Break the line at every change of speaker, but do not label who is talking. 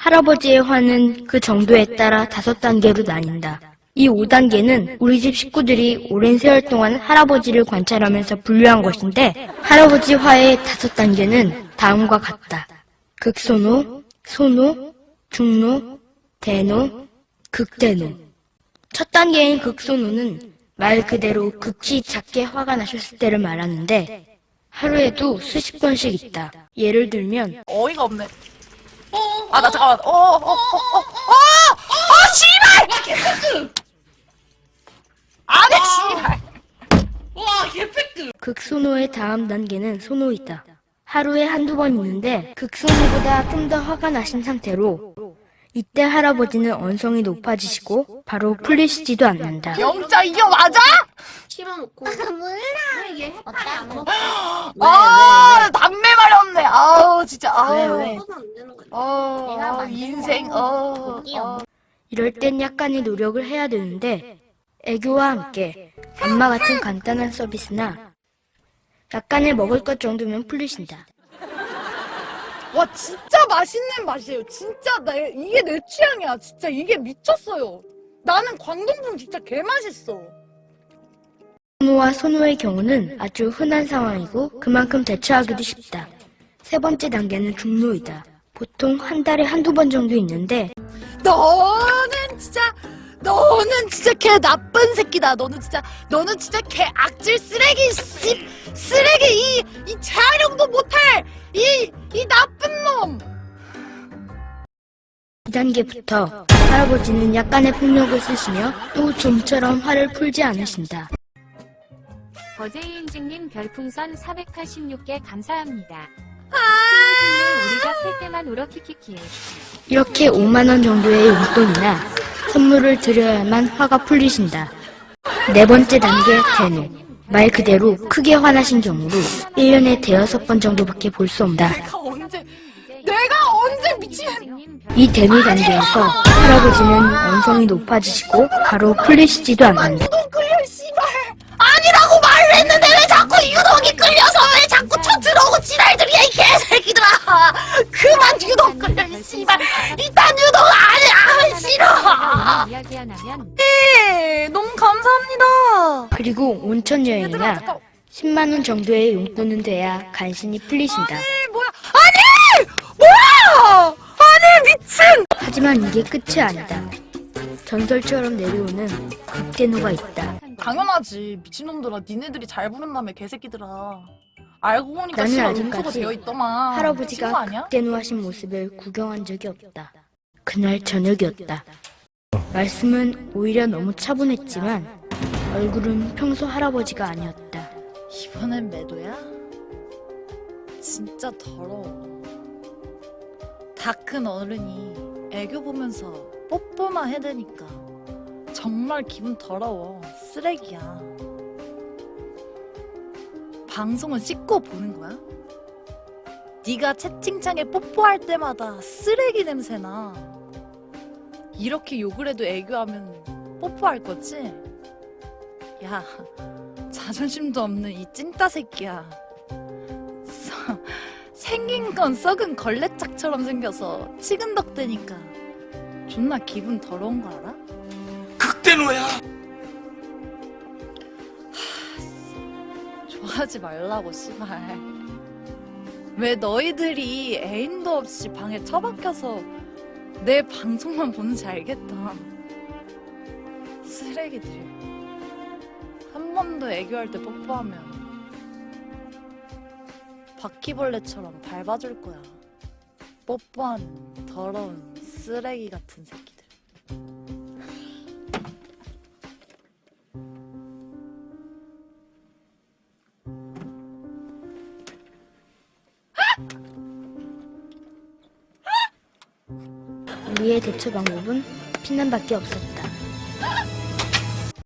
할아버지의 화는 그 정도에 따라 5단계로 나뉜다. 이 5단계는 우리 집 식구들이 오랜 세월 동안 할아버지를 관찰하면서 분류한 것인데, 할아버지 화의 5단계는 다음과 같다. 극소노, 소노, 중노, 대노, 극대노. 첫 단계인 극소노는 말 그대로 극히 작게 화가 나셨을 때를 말하는데, 하루에도 수십 번씩 있다. 예를 들면
어이가 없네. 아, 나 잠깐만. 씨발! 아니, 씨발!
와, 개팩트!
극소노의 다음 단계는 소노이다. 하루에 한두 번 있는데 극소노보다 좀 더 화가 나신 상태로 이때 할아버지는 언성이 높아지시고 바로 풀리시지도 않는다.
0.25 맞아?
씹어놓고.
몰라.
왜 이게
어때?
안 먹어?
아, 담배 마렵네. 아우, 진짜. 아우.
왜?
써서 안 되는 거야.
내가
어,
만든
인생.
거. 귀여워.
이럴 땐 약간의 노력을 해야 되는데 애교와 함께 안마 같은 간단한 서비스나 약간의 먹을 것 정도면 풀리신다.
와, 진짜 맛있는 맛이에요. 진짜, 이게 내 취향이야. 진짜, 이게 미쳤어요. 나는 광동풍 진짜 개맛있어.
소노와 소노의 경우는 아주 흔한 상황이고 그만큼 대처하기도 쉽다. 세 번째 단계는 중노이다. 보통 한 달에 한두 번 정도 있는데
너는 진짜 개 나쁜 새끼다. 너는 진짜 개 악질 쓰레기, 쓰레기, 이 재활용도 못할, 이 나쁜 놈.
2단계부터 할아버지는 약간의 폭력을 쓰시며 또 좀처럼 화를 풀지 않으신다.
버제이인증님 별풍선 486개 감사합니다. 아~ 우리가 클 때만 울어 키키키.
이렇게 5만원 정도의 용돈이나 선물을 드려야만 화가 풀리신다. 네 번째 단계 대노. 말 그대로 크게 화나신 경우로 1년에 5번 정도밖에 볼 수 없다.
내가 언제 미친?
이 대노 단계에서 할아버지는 언성이 높아지시고 바로 풀리시지도 않는다.
유독 끌려, 씨발. 아니라고 말을 했는데 왜 자꾸 유독이 끌려서 왜 자꾸 쳐들어오고 지랄들이야, 이 개새끼들아. 그만 유독 끌려, 이 씨발. 이딴 유독 아니, 싫어.
이야기 안 하면
네, 너무 감사합니다.
그리고 온천
얘들아,
여행이나
잠깐.
10만원 정도의 용돈은 돼야 간신히 풀리신다.
뭐야? 아니! 뭐야! 아니, 미친!
하지만 이게 끝이 아니다. 전설처럼 내려오는 극대노가 있다.
당연하지. 미친놈들아, 니네들이 잘 부른다며, 개새끼들아. 알고 보니까
나는
씨발
아직까지
음수가 되어 있더만. 친구
할아버지가
아니야?
극대노하신 모습을 구경한 적이 없다. 그날 저녁이었다. 말씀은 오히려 너무 차분했지만 얼굴은 평소 할아버지가 아니었다.
이번엔 매도야? 진짜 더러워. 다 큰 어른이 애교 보면서 뽀뽀만 해대니까 정말 기분 더러워. 쓰레기야. 방송은 씻고 보는 거야? 네가 채팅창에 뽀뽀할 때마다 쓰레기 냄새나. 이렇게 욕을 해도 애교하면 뽀뽀할 거지? 야, 자존심도 없는 이 찐따 새끼야. 생긴 건 썩은 걸레짝처럼 생겨서 치근덕대니까 존나 기분 더러운 거 알아?
극대노야!
좋아하지 말라고, 씨발. 왜 너희들이 애인도 없이 방에 처박혀서 내 방송만 보는지 알겠다. 쓰레기들이. 한 번 더 애교할 때 뽀뽀하면 바퀴벌레처럼 밟아줄 거야. 뽀뽀하는 더러운 쓰레기 같은 새끼들.
우리의 대처 방법은 피난밖에 없었다.